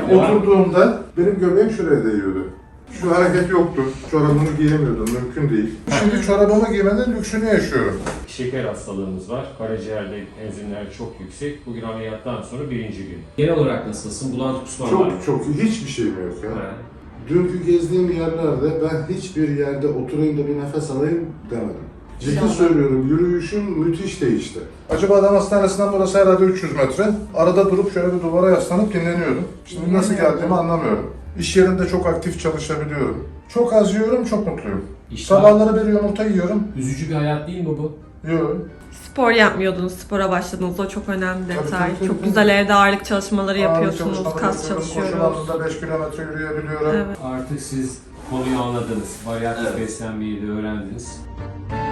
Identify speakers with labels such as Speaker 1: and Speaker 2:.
Speaker 1: Oturduğumda benim göbeğim şuraya değiyordu. Şu hareket yoktu. Çorabımı giyemiyordum. Mümkün değil. Şimdi çorabımı giymenin lüksünü yaşıyorum.
Speaker 2: Şeker hastalığımız var. Karaciğerde enzimler çok yüksek. Bugün ameliyattan sonra birinci gün.
Speaker 3: Genel olarak nasılsın? Bulantı kusman var mı?
Speaker 1: Çok hiçbir şeyim yok ya.
Speaker 3: Ha.
Speaker 1: Dünkü gezdiğim yerlerde ben hiçbir yerde oturayım da bir nefes alayım demedim. Ciddi söylüyorum, yürüyüşüm müthiş değişti. Acıbadem Hastanesi'nden burası herhalde 300 metre. Arada durup şöyle bir duvara yaslanıp dinleniyordum. Şimdi nasıl geldiğimi anlamıyorum. İş yerinde çok aktif çalışabiliyorum. Çok az yiyorum, çok mutluyum. Sabahları bir yumurta yiyorum.
Speaker 3: Üzücü bir hayat değil mi bu?
Speaker 1: Yiyorum.
Speaker 4: Spor yapmıyordunuz, spora başladınız. O çok önemli detay.
Speaker 1: Tabii.
Speaker 4: Çok güzel evde ağırlık çalışmaları
Speaker 1: Ağırlık
Speaker 4: yapıyorsunuz,
Speaker 1: çalışmaları
Speaker 4: kas
Speaker 1: yapıyorum.
Speaker 4: çalışıyoruz.
Speaker 1: Koşu bandında 5 kilometre yürüyebiliyorum.
Speaker 4: Evet.
Speaker 2: Artık siz konuyu anladınız. Varyatif beslenmeyi de öğrendiniz.